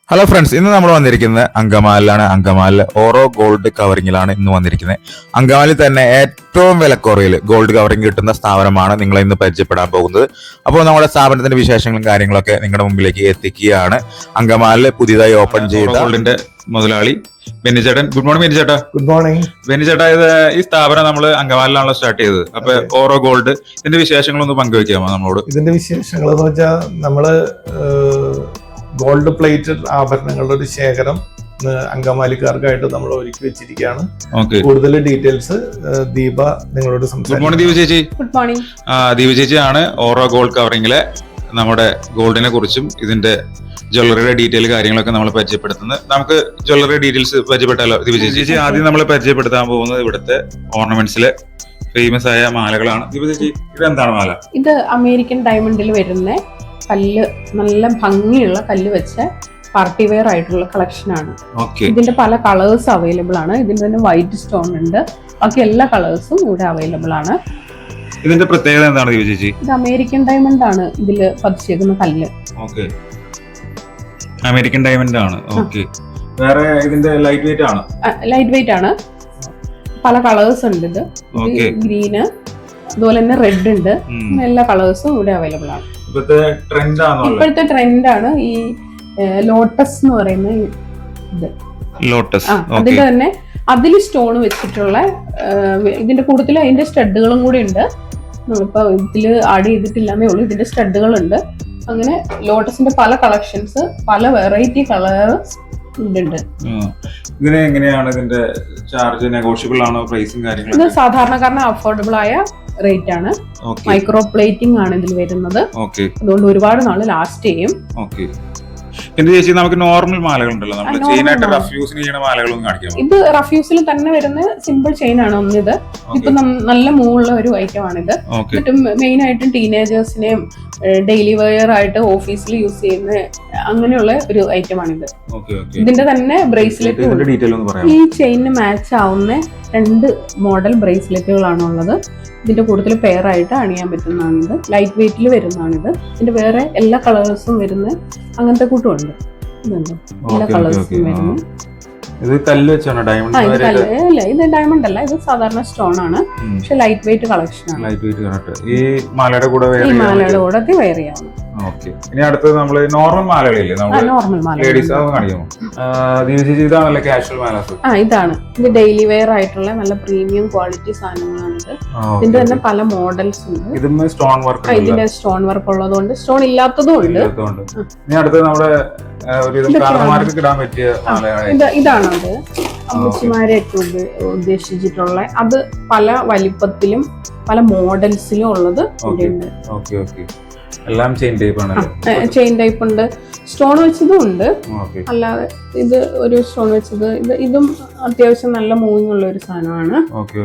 Hello friends, ഇന്ന് നമ്മൾ വന്നിരിക്കുന്നത് അങ്കമാലിലാണ്. അങ്കമാലിൽ ഓരോ ഗോൾഡ് കവറിങ്ങിലാണ് ഇന്ന് വന്നിരിക്കുന്നത്. അങ്കമാലിൽ തന്നെ ഏറ്റവും വിലക്കുറവിൽ ഗോൾഡ് കവറിങ് കിട്ടുന്ന സ്ഥാപനമാണ് നിങ്ങളെ ഇന്ന് പരിചയപ്പെടാൻ പോകുന്നത്. അപ്പോൾ നമ്മുടെ സ്ഥാപനത്തിന്റെ വിശേഷങ്ങളും കാര്യങ്ങളൊക്കെ നിങ്ങളുടെ മുമ്പിലേക്ക് എത്തിക്കുകയാണ്. അങ്കമാലിൽ പുതിയതായി ഓപ്പൺ ചെയ്ത ഗോൾഡിന്റെ മുതലാളി ബെന്നിച്ചേട്ടൻ. ഗുഡ് മോർണിംഗ് ബെന്നിച്ചേട്ടാ. ഗുഡ് മോർണിംഗ് ബെന്നിച്ചേട്ടാ, ഇത് ഈ സ്ഥാപനം നമ്മൾ അങ്കമാലിലാണല്ലോ സ്റ്റാർട്ട് ചെയ്തത്. അപ്പൊ ഓരോ ഗോൾഡ് ഇതിന്റെ വിശേഷങ്ങളൊന്ന് പങ്കുവെക്കാമോ നമ്മളോട്? ഇതിന്റെ വിശേഷങ്ങൾ എന്ന് വെച്ചാൽ നമ്മള് ഗോൾഡ് പ്ലേറ്റഡ് ആഭരണങ്ങളുടെ ഒരു ശേഖരം അങ്കമാലിക്കാർക്കായിട്ട് നമ്മൾ ഒരുക്കി വെച്ചിരിക്കുകയാണ്. കൂടുതൽ ഡീറ്റെയിൽസ് ദീപ നിങ്ങളോട് സംസാരിക്കും. ഗുഡ് മോർണിംഗ് ദീപ ചേച്ചി. Good morning. ദീപ ചേച്ചിയാണ് ഓറോ ഗോൾഡ് കവറിങ്ങിലെ നമ്മുടെ ഗോൾഡിനെ കുറിച്ചും ഇതിന്റെ ജ്വല്ലറിയുടെ ഡീറ്റെയിൽ കാര്യങ്ങളൊക്കെ നമ്മൾ പരിചയപ്പെടുത്തുന്നത്. നമുക്ക് ജ്വല്ലറി ഡീറ്റെയിൽസ് പരിചയപ്പെട്ടാലോ ദീപ ചേച്ചി? ചേച്ചി ആദ്യം നമ്മൾ പരിചയപ്പെടുത്താൻ പോകുന്നത് ഇവിടുത്തെ ഓർണമെന്റ്സിലെ ഫേമസ് ആയ മാലകളാണ്. ദീപ ചേച്ചി, ഇത് എന്താണ് മാല? ഇത് അമേരിക്കൻ ഡയമണ്ടിൽ വരുന്ന കല്ല്, നല്ല ഭംഗിയുള്ള കല്ല് വെച്ച പാർട്ടി വെയർ ആയിട്ടുള്ള കളക്ഷൻ ആണ്. ഇതിന്റെ പല കളേഴ്സ് അവൈലബിൾ ആണ്. ഇതിന്റെ തന്നെ വൈറ്റ് സ്റ്റോൺ ഉണ്ട്. ബാക്കി എല്ലാ കളേഴ്സും ഇവിടെ അവൈലബിൾ ആണ്. ഇതിന്റെ പ്രത്യേകത എന്താണ് ചേച്ചി? ഇത് അമേരിക്കൻ ഡയമണ്ട് ആണ് ഇതില് പതിച്ചേക്കുന്ന കല്ല്. അമേരിക്കൻ ഡയമണ്ട് ആണ്. വേറെ ഇതിന്റെ ലൈറ്റ് വെയിറ്റ് ആണ്. ലൈറ്റ് വെയിറ്റ് ആണ്. പല കളേഴ്സ് ഉണ്ട്. ഇത് ഗ്രീന്, അതുപോലെ തന്നെ റെഡ് ഉണ്ട്. എല്ലാ കളേഴ്സും ഇവിടെ അവൈലബിൾ ആണ്. ഇപ്പോഴത്തെ ട്രെൻഡാണ് ഈ ലോട്ടസ് എന്ന് പറയുന്ന ഇത്. ലോട്ടസ് അതിന്റെ തന്നെ അതിൽ സ്റ്റോൺ വെച്ചിട്ടുള്ള, ഇതിന്റെ കൂട്ടത്തിൽ അതിന്റെ സ്റ്റഡുകളും കൂടി ഉണ്ട്. നമ്മളിപ്പോ ഇതില് ആഡ് ചെയ്തിട്ടില്ലെന്നേ ഉള്ളൂ. ഇതിന്റെ സ്റ്റഡുകളുണ്ട്. അങ്ങനെ ലോട്ടസിന്റെ പല കളക്ഷൻസ്, പല വെറൈറ്റി കളേഴ്സ് ഉണ്ട്. ഇതിന് എങ്ങനെയാണ് ഇതിന്റെ ചാർജ്? നെഗോഷ്യബിൾ ആണോ പ്രൈസും കാര്യങ്ങളും? ഇത് സാധാരണക്കാരന് അഫോർഡബിൾ ആയ റേറ്റ് ആണ്. മൈക്രോ പ്ലേറ്റിംഗ് ആണ് ഇതിൽ വരുന്നത്. അതുകൊണ്ട് ഒരുപാട് നാള് ലാസ്റ്റ് ചെയ്യും. എന്റെ ചേച്ചി, നമുക്ക് നോർമൽ മാലകൾ ഉണ്ടല്ലോ, നമ്മൾ ചെയിനായിട്ട് റഫ്യൂസിന് ചെയ്യുന്ന മാലകളൊന്നും കാണിക്കാം. ഇത് റഫ്യൂസിൽ തന്നെ വരുന്ന സിമ്പിൾ ചെയിൻ ആണ് ഒന്നിത്. ഇപ്പൊ നല്ല മൂവുള്ള ഒരു ഐറ്റം ആണിത്. മറ്റും മെയിൻ ആയിട്ടും ടീനേജേഴ്സിനെയും ഡെയിലി വെയർ ആയിട്ട് ഓഫീസിൽ യൂസ് ചെയ്യുന്ന അങ്ങനെയുള്ള ഒരു ഐറ്റം ആണിത്. ഇതിന്റെ തന്നെ ബ്രേസ്ലെറ്റ്, ഈ ചെയിനിന് മാച്ച് ആവുന്ന 2 മോഡൽ ബ്രേസ്ലെറ്റുകളാണ് ഉള്ളത്. ഇതിന്റെ കൂടുതൽ പെയർ ആയിട്ട് അണിയാൻ പറ്റുന്നതാണിത്. ലൈറ്റ് വെയിറ്റിൽ വരുന്നതാണിത്. ഇതിന്റെ വേറെ എല്ലാ കളേഴ്സും വരുന്ന അങ്ങനത്തെ കൂട്ടുമുണ്ട്. ഇതുണ്ട്, എല്ലാ കളേഴ്സും വരുന്നു. ഇത് കല്ല് വെച്ചാണ് ഡയമണ്ട്? അല്ല, ഇത് ഡയമണ്ട് അല്ല, ഇത് സാധാരണ സ്റ്റോൺ ആണ്. പക്ഷെ ലൈറ്റ് വെയിറ്റ് കളക്ഷൻ ആണ്. ഈ മാലയുടെ കൂടെ വെയർ ചെയ്യാം. ഇനി അടുത്തത് നമ്മള് നോർമൽ മാലകളില്ലേ, നോർമൽ മാല. ഇതാണല്ലേ കാഷ്വൽ മാലാസ്? ഇതാണ്. ഇത് ഡെയിലി വെയർ ആയിട്ടുള്ള നല്ല പ്രീമിയം ക്വാളിറ്റി സാധനങ്ങളാണിത്. ഇതിന്റെ തന്നെ പല മോഡൽസ് ഉണ്ട്. ഇതിന്റെ സ്റ്റോൺ വർക്ക്, ഇതിന്റെ സ്റ്റോൺ വർക്ക് ഉള്ളതുകൊണ്ട് സ്റ്റോൺ ഇല്ലാത്തതും ഉണ്ട്. ഇനി അടുത്തത് നമ്മുടെ ഇടാൻ പറ്റിയ ഇതാണത്. അമ്മച്ചിമാരെ ഉദ്ദേശിച്ചിട്ടുള്ള അത് പല വലിപ്പത്തിലും പല മോഡൽസിലും ഉള്ളത് ഉണ്ട്. എല്ലാം ചെയിൻ ടൈപ്പ് ആണ്. ചെയിൻ ടൈപ്പ് ഉണ്ട്, സ്റ്റോൺ വെച്ചതും ഉണ്ട്. അല്ലാതെ ഇത് ഒരു സ്റ്റോൺ വെച്ചത്, ഇതും അത്യാവശ്യം നല്ല മൂവിങ് ഉള്ള ഒരു സാധനമാണ്.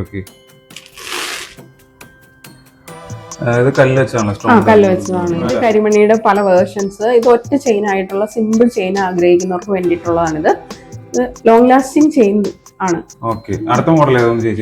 കല്ല് വെച്ചതാണ്. ഇത് കരിമണിയുടെ പല വേർഷൻസ്. ഇത് ഒറ്റ ചെയിൻ ആയിട്ടുള്ള സിമ്പിൾ ചെയിൻ ആഗ്രഹിക്കുന്നവർക്ക് വേണ്ടിയിട്ടുള്ളതാണിത്. ഇത് ലോങ് ലാസ്റ്റിംഗ് ചെയിൻ ആണ്. അടുത്ത മോഡൽ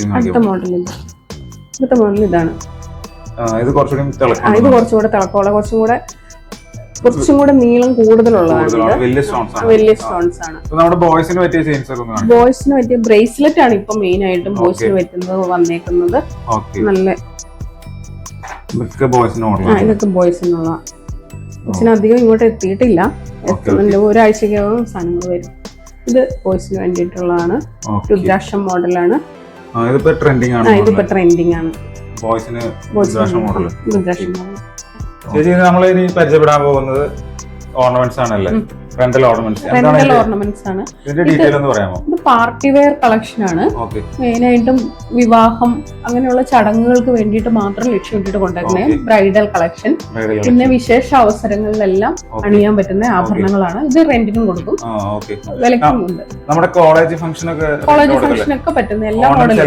ഇതാണ്. ഇത് കുറച്ചുകൂടെ തിളക്കമുള്ള, കുറച്ചും കൂടെ നീളം കൂടുതലുള്ളതാണ്. വലിയ സ്റ്റോൺസ് ആണ്. ബോയ്സിന് പറ്റിയ ബ്രേസ്ലെറ്റ് ആണ് ഇപ്പൊ മെയിൻ ആയിട്ടും ബോയ്സിന് പറ്റുന്നത് വന്നേക്കുന്നത്. നല്ല ഇതൊക്കെ ബോയ്സിനുള്ള. അധികം ഇങ്ങോട്ട് എത്തിയിട്ടില്ല. ഒരാഴ്ചക്കകം സാധനങ്ങൾ വരും. ഇത് ബോയ്സിന് വേണ്ടിയിട്ടുള്ളതാണ്. രുദ്രാക്ഷം മോഡലാണ്. ഇതിപ്പോ ട്രെൻഡിങ് ആണ്. രുദ്രാക്ഷം മോഡൽ. ശരി, നമ്മൾ ഇനി പരിചയപ്പെടാൻ പോകുന്നത് ഓർണമെന്റ്സ് ആണല്ലേ? റെന്റൽ ഓർണമെന്റ്സ് ആണ്. ഇതിന്റെ ഡീറ്റെയിൽ ഒന്ന് പറയാമോ? ഇത് പാർട്ടി വെയർ കളക്ഷൻ ആണ്. മെയിൻ ആയിട്ടും വിവാഹം അങ്ങനെയുള്ള ചടങ്ങുകൾക്ക് വേണ്ടിയിട്ട് മാത്രം ലക്ഷ്യമിട്ടിട്ട് കൊണ്ടുവരുന്നത് ബ്രൈഡൽ കളക്ഷൻ. പിന്നെ വിശേഷ അവസരങ്ങളിലെല്ലാം അണിയാൻ പറ്റുന്ന ആഭരണങ്ങളാണ്. ഇത് റെന്റിനും കൊടുക്കും, വിലക്കും ഉണ്ട്. നമ്മുടെ കോളേജ് ഫംഗ്ഷനൊക്കെ പറ്റുന്ന എല്ലാ മോഡലും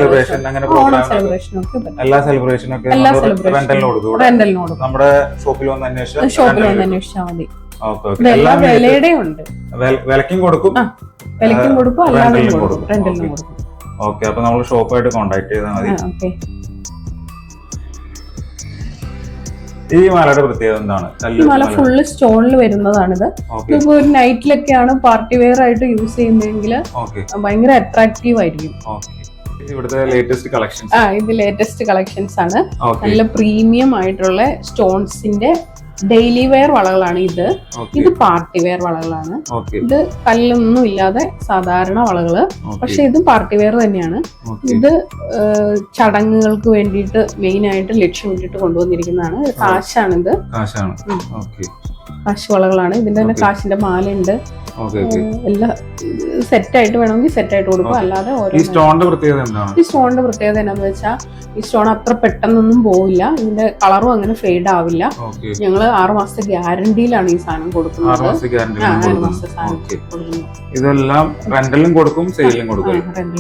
റെന്റലിന് കൊടുക്കും. നമ്മുടെ ഷോപ്പിൽ വന്ന് അന്വേഷിച്ചാൽ മതി. വിലയുടെ ഉണ്ട്. വിലക്കും കൊടുക്കും, അല്ലാതെ റെന്റലിനും കൊടുക്കും. ഓക്കെ, അപ്പൊ നമ്മൾ ഷോപ്പായിട്ട് കോണ്ടാക്ട് ചെയ്താൽ മതി. ഈ മാലയുടെ പ്രത്യേകത എന്താണ്? ഈ മാല ഫുള്ള് സ്റ്റോണിൽ വരുന്നതാണിത്. ഇതിപ്പോ ഒരു നൈറ്റിലൊക്കെയാണ് പാർട്ടി വെയർ ആയിട്ട് യൂസ് ചെയ്യുന്നതെങ്കിൽ ഭയങ്കര അട്രാക്റ്റീവ് ആയിരിക്കും. ഇവിടുത്തെ ലേറ്റസ്റ്റ് കളക്ഷൻസ്. ഇത് ലേറ്റസ്റ്റ് കളക്ഷൻസ് ആണ്. നല്ല പ്രീമിയം ആയിട്ടുള്ള സ്റ്റോൺസിന്റെ ഡെയിലി വെയർ വളകളാണ് ഇത്. ഇത് പാർട്ടി വെയർ വളകളാണ്. ഇത് കല്ലൊന്നും ഇല്ലാതെ സാധാരണ വളകള്, പക്ഷെ ഇത് പാർട്ടി വെയർ തന്നെയാണ്. ഇത് ചടങ്ങുകൾക്ക് വേണ്ടിയിട്ട് മെയിൻ ആയിട്ട് ലക്ഷ്യമിട്ടിട്ട് കൊണ്ടുവന്നിരിക്കുന്നതാണ്. കാശാണിത്, കാശ് വളകളാണ്. ഇതിന്റെ തന്നെ കാശിന്റെ മാലയുണ്ട്. എല്ലാം സെറ്റ് ആയിട്ട് വേണമെങ്കിൽ സെറ്റ് ആയിട്ട് കൊടുക്കും. അല്ലാതെ ഈ സ്റ്റോണിന്റെ പ്രത്യേകത എന്താണെന്ന് വെച്ചാൽ ഈ സ്റ്റോൺ അത്ര പെട്ടെന്നൊന്നും പോവില്ല. ഇതിന്റെ കളറും അങ്ങനെ ഫെയ്ഡ് ആവില്ല. ഞങ്ങള് 6 മാസത്തെ ഗ്യാരണ്ടിയിലാണ് ഈ സാധനം കൊടുക്കുന്നത്. 6 മാസത്തെ സാധനം കൊടുക്കുന്നു. ഇതെല്ലാം റെന്റലും കൊടുക്കും, സെയിലും കൊടുക്കും.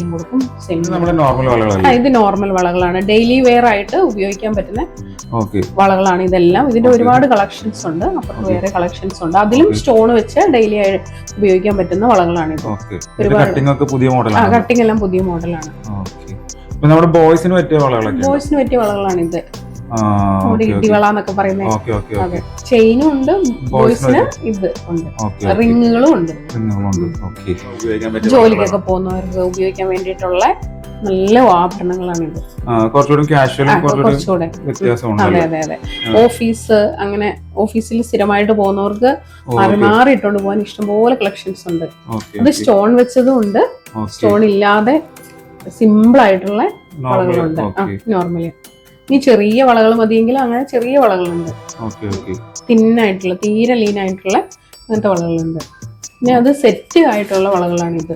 ഇത് നോർമൽ വളകളാണ്. ഡെയിലി വെയർ ആയിട്ട് ഉപയോഗിക്കാൻ പറ്റുന്ന വളകളാണ് ഇതെല്ലാം. ഇതിന്റെ ഒരുപാട് കളക്ഷൻസ് ഉണ്ട്. അപ്പുറത്ത് വേറെ കളക്ഷൻസ് ഉണ്ട്. അതിലും സ്റ്റോൺ വെച്ച് ഡെയിലി ഉപയോഗിക്കാൻ പറ്റുന്ന വളകളാണ് ഇത്. കട്ടിംഗ് എല്ലാം പുതിയ മോഡലാണ്. ബോയ്സിന് പറ്റിയ വളകളാണ് ഇത്. ഇടിവള എന്നൊക്കെ പറയുന്നത്. ചെയിനും ഉണ്ട് ബോയ്സിന്, ഇത് ഉണ്ട്, റിങ്ങുകളും ഉണ്ട്. ജോലിക്കൊക്കെ പോകുന്നവർക്ക് ഉപയോഗിക്കാൻ വേണ്ടിയിട്ടുള്ള നല്ല ആഭരണങ്ങളാണ് ഇത്. കുറച്ചുകൂടെ അതെ. ഓഫീസ്, അങ്ങനെ ഓഫീസിൽ സ്ഥിരമായിട്ട് പോകുന്നവർക്ക് മാറി ഇട്ടോണ്ട് പോകാൻ ഇഷ്ടംപോലെ കളക്ഷൻസ് ഉണ്ട്. അത് സ്റ്റോൺ വെച്ചതും ഉണ്ട്, സ്റ്റോൺ ഇല്ലാതെ സിമ്പിൾ ആയിട്ടുള്ള വളകളുണ്ട്. നോർമലി ഈ ചെറിയ വളകൾ മതിയെങ്കിൽ അങ്ങനെ ചെറിയ വളകളുണ്ട്. തിന്നായിട്ടുള്ള, തീരെ ലീനായിട്ടുള്ള അങ്ങനത്തെ വളകളുണ്ട്. പിന്നെ അത് സെറ്റ് ആയിട്ടുള്ള വളകളാണ് ഇത്.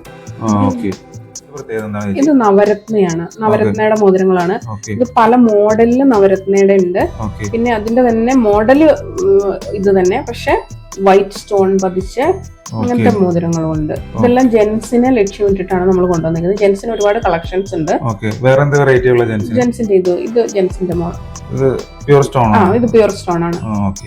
ഇത് നവരത്നയാണ്. നവരത്നയുടെ മോതിരങ്ങളാണ്. ഇത് പല മോഡലില് നവരത്നയുടെ ഉണ്ട്. പിന്നെ അതിന്റെ തന്നെ മോഡല് ഇത് തന്നെ, പക്ഷെ വൈറ്റ് സ്റ്റോൺ പതിച്ച അങ്ങനത്തെ മോതിരങ്ങളും ഉണ്ട്. ഇതെല്ലാം ജെൻസിനെ ലക്ഷ്യമിട്ടിട്ടാണ് നമ്മൾ കൊണ്ടുവന്നിരിക്കുന്നത്. ജെൻസിന് ഒരുപാട് കളക്ഷൻസ് ഉണ്ട്. ജെൻസിന്റെ ഇത് ജെൻസിന്റെ മോഡൽ. ഇത് പ്യൂർ സ്റ്റോൺ ആണ്.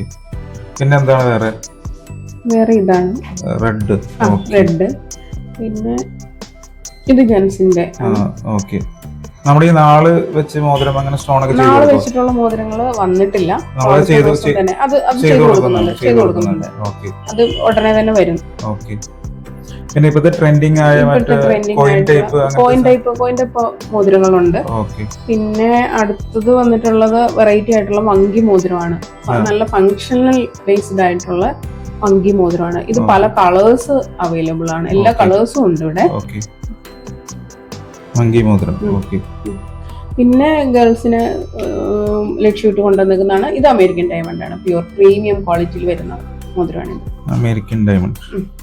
വേറെ ഇതാണ് റെഡ്. പിന്നെ ഇത് ജെൻസിന്റെ. നമ്മുടെ ഈ നാള് വെച്ച് മോതിരം അങ്ങനെ സ്റ്റോൺ ഒക്കെ നാള് വെച്ചിട്ടുള്ള മോതിരങ്ങൾ വന്നിട്ടില്ല. അത് ചെയ്തു കൊടുക്കുന്നുണ്ട്. അത് ഉടനെ തന്നെ വരും. പിന്നെ ഇപ്പോഴത്തെ ട്രെൻഡിങ് ആയ കോയിൻ ടൈപ്പ് മോതിരങ്ങളുണ്ട്. പിന്നെ അടുത്തത് വന്നിട്ടുള്ളത് വെറൈറ്റി ആയിട്ടുള്ള വങ്കി മോതിരമാണ്. നല്ല ഫങ്ഷണൽ ബേസ്ഡ് ആയിട്ടുള്ള വങ്കി മോതിരമാണ്. ഇത് പല കളേഴ്സ് അവൈലബിൾ ആണ്. എല്ലാ കളേഴ്സും ഉണ്ട് ഇവിടെ. പിന്നെ ഗേൾസിന് ലക്ഷ്യമിട്ട് കൊണ്ടുവന്നിരിക്കുന്നതാണ്. ഇത് അമേരിക്കൻ ഡയമണ്ട് ആണ്. പ്യൂർ പ്രീമിയം ക്വാളിറ്റിയിൽ വരുന്ന മോതിരമാണ് ഇത്. American diamond.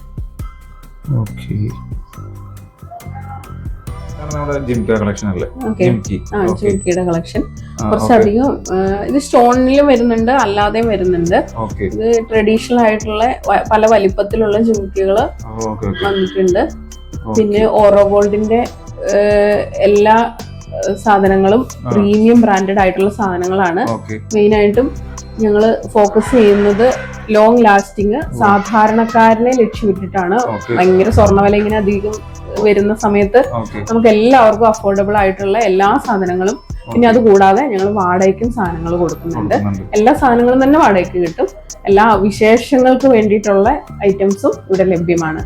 ജിംകിയുടെ കളക്ഷൻ കുറച്ചധികം. ഇത് സ്റ്റോണിലും വരുന്നുണ്ട്, അല്ലാതെയും വരുന്നുണ്ട്. ഇത് ട്രഡീഷണൽ ആയിട്ടുള്ള പല വലിപ്പത്തിലുള്ള ജിംകികൾ വന്നിട്ടുണ്ട്. പിന്നെ ഓറോ ഗോൾഡിന്റെ എല്ലാ സാധനങ്ങളും പ്രീമിയം ബ്രാൻഡഡ് ആയിട്ടുള്ള സാധനങ്ങളാണ്. മെയിൻ ആയിട്ടും ഞങ്ങള് ഫോക്കസ് ചെയ്യുന്നത് ലോങ് ലാസ്റ്റിങ്, സാധാരണക്കാരനെ ലക്ഷ്യമിട്ടിട്ടാണ്. ഭയങ്കര സ്വർണ്ണവില ഇങ്ങനെ അധികം വരുന്ന സമയത്ത് നമുക്ക് എല്ലാവർക്കും അഫോർഡബിൾ ആയിട്ടുള്ള എല്ലാ സാധനങ്ങളും. പിന്നെ അത് കൂടാതെ ഞങ്ങൾ വാടകയ്ക്കും സാധനങ്ങൾ കൊടുക്കുന്നുണ്ട്. എല്ലാ സാധനങ്ങളും തന്നെ വാടകയ്ക്ക് കിട്ടും. എല്ലാ വിശേഷങ്ങൾക്ക് വേണ്ടിയിട്ടുള്ള ഐറ്റംസും ഇവിടെ ലഭ്യമാണ്.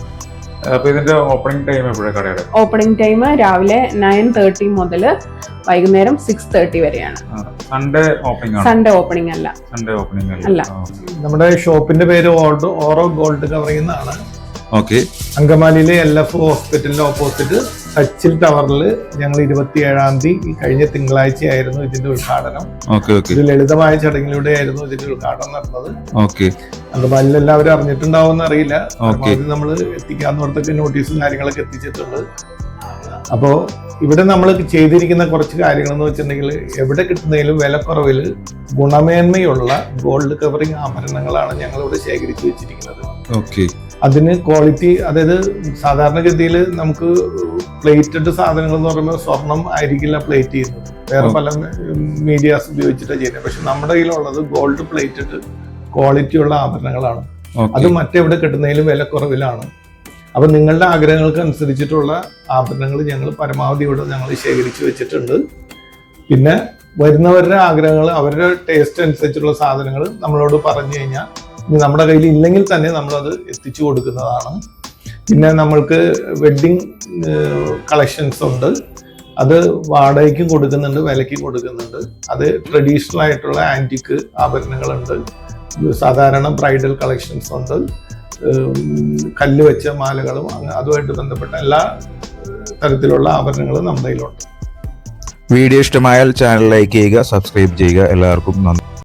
ഓപ്പണിംഗ് ടൈം രാവിലെ 9:30 മുതൽ വൈകുന്നേരം 6:30 വരെയാണ്. സൺഡേ ഓപ്പണിംഗ് അല്ല. നമ്മുടെ ഷോപ്പിന്റെ പേര് ഓറോ ഗോൾഡ് കവറിംഗ് എന്നാണ്. അങ്കമാലിയിലെ LF ഹോസ്പിറ്റലിന്റെ ഓപ്പോസിറ്റ് സച്ചിൽ ടവറിൽ ഞങ്ങൾ 27-ാം തീയതി കഴിഞ്ഞ തിങ്കളാഴ്ചയായിരുന്നു ഇതിന്റെ ഉദ്ഘാടനം. ഇത് ലളിതമായ ചടങ്ങിലൂടെ ആയിരുന്നു ഇതിന്റെ ഉദ്ഘാടനം നടന്നത്. അങ്കമാലിയിൽ എല്ലാവരും അറിഞ്ഞിട്ടുണ്ടാവുമെന്ന് അറിയില്ല. നമ്മൾ എത്തിക്കാവുന്നിടത്തൊക്കെ നോട്ടീസും കാര്യങ്ങളൊക്കെ എത്തിച്ചിട്ടുണ്ട്. അപ്പോൾ ഇവിടെ നമ്മൾ ചെയ്തിരിക്കുന്ന കുറച്ച് കാര്യങ്ങൾ എന്ന് വെച്ചിട്ടുണ്ടെങ്കിൽ, എവിടെ കിട്ടുന്നതിലും വിലക്കുറവിൽ ഗുണമേന്മയുള്ള ഗോൾഡ് കവറിംഗ് ആഭരണങ്ങളാണ് ഞങ്ങളിവിടെ ശേഖരിച്ചു വെച്ചിരിക്കുന്നത്. അതിന് ക്വാളിറ്റി, അതായത് സാധാരണഗതിയിൽ നമുക്ക് പ്ലേറ്റഡ് സാധനങ്ങൾ എന്ന് പറയുമ്പോൾ സ്വർണം ആയിരിക്കില്ല പ്ലേറ്റ് ചെയ്യുന്നത്, വേറെ പല മീഡിയാസ് ഉപയോഗിച്ചിട്ടാണ് ചെയ്യുന്നത്. പക്ഷെ നമ്മുടെ കയ്യിലുള്ളത് ഗോൾഡ് പ്ലേറ്റഡ് ക്വാളിറ്റിയുള്ള ആഭരണങ്ങളാണ്. അത് മറ്റെവിടെ കിട്ടുന്നതിലും വിലക്കുറവിലാണ്. അപ്പൊ നിങ്ങളുടെ ആഗ്രഹങ്ങൾക്ക് അനുസരിച്ചിട്ടുള്ള ആഭരണങ്ങൾ ഞങ്ങൾ പരമാവധി ഇവിടെ ഞങ്ങൾ ശേഖരിച്ചു വെച്ചിട്ടുണ്ട്. പിന്നെ വരുന്നവരുടെ ആഗ്രഹങ്ങൾ, അവരുടെ ടേസ്റ്റ് അനുസരിച്ചുള്ള സാധനങ്ങൾ നമ്മളോട് പറഞ്ഞു കഴിഞ്ഞാൽ ഇനി നമ്മുടെ കയ്യിൽ ഇല്ലെങ്കിൽ തന്നെ നമ്മളത് എത്തിച്ചു കൊടുക്കുന്നതാണ്. പിന്നെ നമ്മൾക്ക് വെഡ്ഡിങ് കളക്ഷൻസ് ഉണ്ട്. അത് വാടകയ്ക്കും കൊടുക്കുന്നുണ്ട്, വിലയ്ക്കും കൊടുക്കുന്നുണ്ട്. അത് ട്രഡീഷണൽ ആയിട്ടുള്ള ആൻറ്റിക്ക് ആഭരണങ്ങളുണ്ട്, സാധാരണ ബ്രൈഡൽ കളക്ഷൻസ് ഉണ്ട്, കല്ല് വെച്ച മാലകളും അതുമായിട്ട് ബന്ധപ്പെട്ട എല്ലാ തരത്തിലുള്ള ആഭരണങ്ങളും നമ്മുടെ കയ്യിലുണ്ട്. വീഡിയോ ഇഷ്ടമായാൽ ചാനൽ ലൈക്ക് ചെയ്യുക, സബ്സ്ക്രൈബ് ചെയ്യുക. എല്ലാവർക്കും നന്ദി.